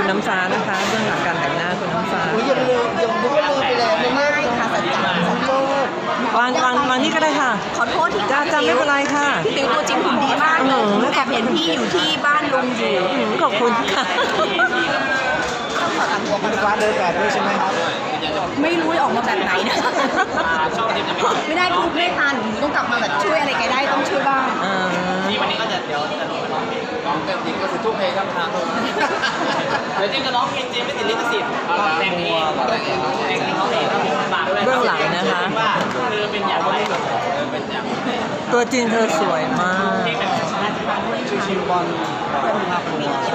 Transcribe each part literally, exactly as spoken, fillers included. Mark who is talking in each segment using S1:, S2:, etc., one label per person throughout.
S1: คุณน้ำฟ้านะคะเบื้องหลังการแต่งหน้าคุณน้ำฟ้า
S2: อุ้ยยังลืมยังนึกว่าลืมไปแล้วไม่ไม่ค่ะสัจจะสัจโจ
S1: วางวางวางนี่ก็ได้ค่ะ
S3: ขอโทษที่
S1: จ้าจ้าไม่เป็นไรค่ะ
S3: พี่ติ๋วตัวจริงหุ่นดีมากเลยหนูแอบเห็นพี่อยู่ที่บ้านลุงอยู่
S1: อืมขอบคุณค่ะ
S2: คุณฟ้าเดินแบบด้วยใช่ไหมครับ
S3: ไม่รู้จะออกมาแบบไหนนะไม่ได้พูดไม่ทันหนูต้องกลับมาแบบช่วยอะไรแกได้ต้องช่วยบ้าง
S1: อ่า
S4: นี่วันนี้ก็จะเดี๋ยวจะร้องเพลงร้องเต็มที่ก็คือทุกเพลงครับทางเดี๋ยวเจมจะร้องเพลงเจมไม่ติดลิขสิทธิ์แต่งเองแต่งเองแต่งเองเขาเองฝากด้วย
S1: เบื้องหลังนะคะ
S4: ว่าเธอเป็นอย่างไรเธอเป็นอย่าง
S1: ตัวจริงเธอสวยมาก
S4: เพลงแบบช้าๆบ้าง
S2: ชิวๆบอลภาพรวม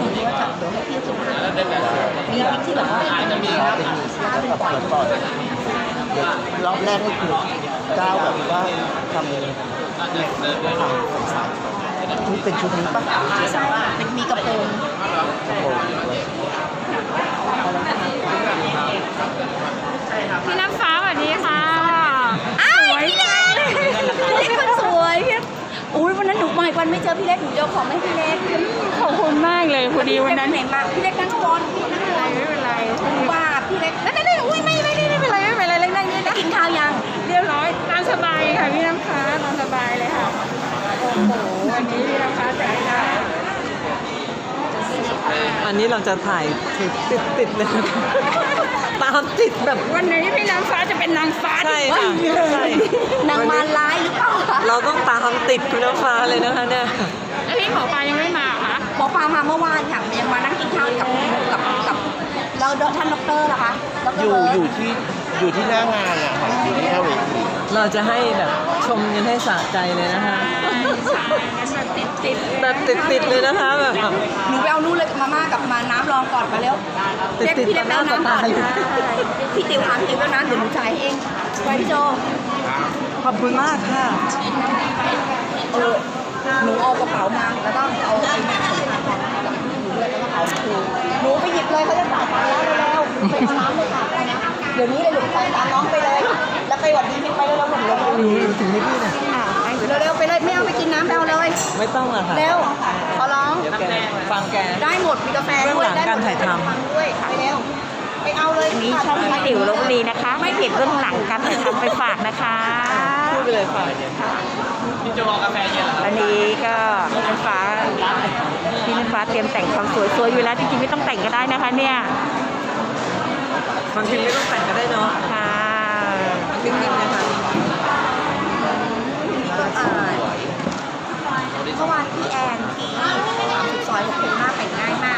S3: มีคลิปที่แบบว่า
S4: อาจจะมีครับ
S2: แบบเปิดก่อนรอบแรกนี่คือก้าวแบบว่าทำเนี่ยทำสายชุดเป็นชุดนี้ปะ
S3: ใช่เป็นมีกระโปรง
S2: โอ้โห
S5: พี่น้ำฟ้าสวัสดีค่ะ
S3: อ้าวพี่เล็กพี่เล็กคนสวยพี่อุ้ยวันนั้นหนูมาอีกวันไม่เจอพี่เล็กหนูเจอของให้พี่เล็ก
S5: ขอบคุณมากเลยพอดีวันนั้น
S3: ไหนมาพี่เล็กนั่งก่อนนั่งก่อน
S5: ไม่เป็นไร
S3: ว่าพี่เล็กนั่นนั่นอุ้ยไม่ไม่ไม่เป็นไรไม่เป็นไรเล็กนั่งนี่นะกินข้าวยัง
S5: เรียบร้อยตามสบายค่ะพี่น้ำฟ้าตามสบายเลยค่ะโอ้โหวันนี้พี่น้ำฟ้าแต่งหน้า
S1: อันนี้เราจะถ่ายติดติดติดเลยนะคะตามติดแบบ
S5: วันนี้พี่น้ำฟ้าจะเป็นนางฟ้า
S1: ใช่
S5: ที่
S1: ค่ะใช่
S3: นางมารร้ายหรือเปล่าคะ
S1: เราต้องตามติดคุณน้ำฟ้าเลยนะคะเนี่ย
S5: แล้วพี่หมอปลายังไม่มาเหรอคะ
S3: หมอปลามาเมื่อวานค่ะยังมานั่งกินข้าวกับกับกับแล้วท่านดรล่ะคะดร
S2: อยู่อยู่ที่อยู่ที่หน้างานอ่ะครับอยู่ที่หน้าเวที
S1: เราจะให้แบบชมกันให้สะใจเลยนะคะ
S5: แบบติดติด
S1: แบบติดติดเลยนะคะแบบ
S3: หนูไปเอานู่นเลยมาม่ากับมาน้ำรองก่อนมาเร็ว
S1: ติด
S3: เรียก
S1: ติด
S3: พี่เล็กไปเอาน้ำก่อน
S1: ต่อหน้าต่อตาอยู่
S3: พี่ติ๋วถามพี่ติ๋วแล้วนะเดี๋ยวหนูจ่ายเองไปพี่โจ
S1: ขอบคุณมากค่ะ
S3: เออหนูเอากระเป๋ามาแล้วก็เอาไอ้เนี่ยกับหนูด้วยแล้วก็เอาคืนหนูไปหยิบเลยเขาจะจ่ายตังค์แล้วเร็วๆไปเอาน้ำเลยค่ะเดี๋ยวนี้เลยหนูไปตามน้องไปเลย แล้วไปหวัดดีพี่ไปเร็วๆหนูเร็ว
S1: หนูถึงให้พี่เนี่ย
S3: ๆอ่ะเร็วๆไปเลยไม่เอาไปกินน้ำไปเอาเลย
S1: ไม่ต้องหรอกค่ะ
S3: เร็วขอร้อง
S1: แกฟังแก
S3: ได้หมดมีกาแฟ
S1: เบื้อง
S3: ด้วย
S1: หลัง
S3: ได้หมด
S1: การถ่ายทำ
S3: ฟังด้วยไปเร็วไปเอาเลย
S5: นี้ช่องพี่ติ๋วลพบุรีนะคะ ไม่เก็บเรื่องหลังการถ่ายทำไปฝากนะคะ
S1: พูดไปเลยค่ะ
S4: พี่จะรอกาแฟเย็นเหรอครับ
S5: อันนี้ก็พี่น้ำฟ้าพี่น้ำฟ้าเตรียมแต่งความสวยสวยอยู่แล้วจริงๆไม่ต้องแต่งก็ได้นะคะเนี่ย
S1: บางทีไม่ต้องแต่งก็ได้เนาะ
S5: ค่ะ
S1: นิ่งๆนะคะ
S3: อ่าเมื่อวานพี่แอนที่สามสิบซอยหกสิบห้าแต่งง่ายมาก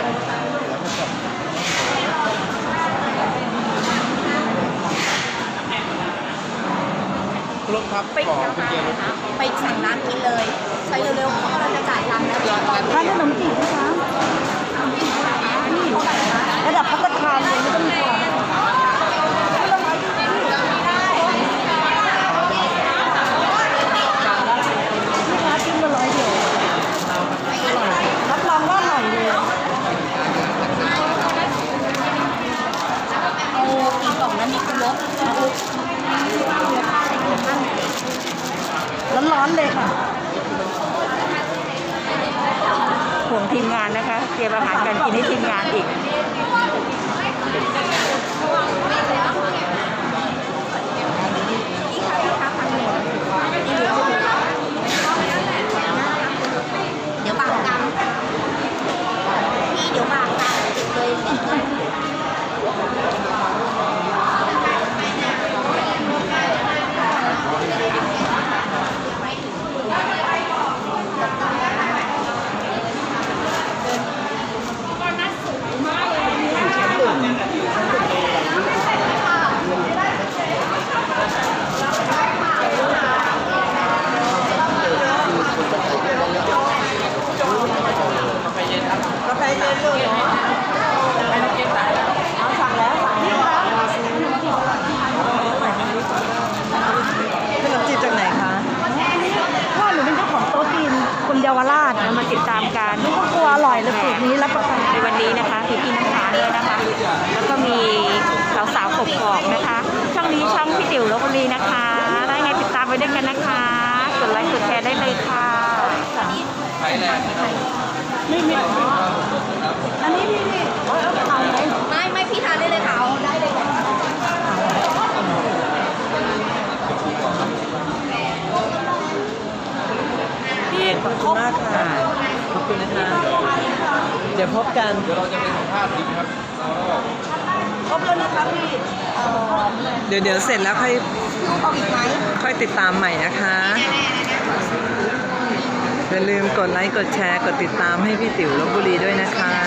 S2: ครบครับ
S3: ไปไปสั่งน้ำกินเลยใช้เร็วๆเพราะเราจะจ่ายตังค์แล้ว
S5: ร้านขนมจีบนะคะระดับพัตตาคารเลยไม่ต้องกลัว
S3: รับรองว่าอร่อยเลยเอากี่กล่องนั้นมีคุณลบ
S5: ร้อนๆเลยค่ะห่วงทีมงานนะคะ เตรียมอาหารการกินให้ทีมงานอีก
S3: นี่ค่ะพี่คะพันหนึ่งนี่เหลือเดี๋ยวบางกรรมพี่เดี๋ยวบางกรรมเลยกาแฟเย็นเลยเหรอเอาสั่งแล้วสั่งนี่ค่ะ
S1: ขนมจีบจากไหนคะ
S5: พ่อหนูเป็นเจ้าของโต๊ะจีนคนเยาวราชนะมาติดตามกันนี่ก็กลัวอร่อยเลยสูตรนี้รับประกันในวันนี้นะคะพี่พี่น้ำฟ้าด้วยนะคะ แล้วก็มีสาวๆกบกอกนะคะ ช่องนี้ช่องพี่ติ๋วลพบุรีนะคะได้ไงติดตามไปด้วยกันนะคะกดไลค์กดแชร์ได้เลยค่ะ
S4: ไทยแลนด์
S5: ไม่มีอันนี้พี่
S1: ขอบคุณมากค่ะ ขอบคุณนะคะ เดี๋ยวพบกัน
S4: เดี๋ยวเราจะไปสัมภาษณ์อีกครับ
S3: ครบแล้วนะคะพี่เอ่อ
S1: เดี๋ยวเดี๋ยวเสร็จแล้วค่อย
S3: ลูกเอาอีกไหม
S1: ค่อยติดตามใหม่นะคะ อย่าลืมกดไลค์ กดแชร์ กดติดตามให้พี่ติ๋วลพบุรีด้วยนะคะ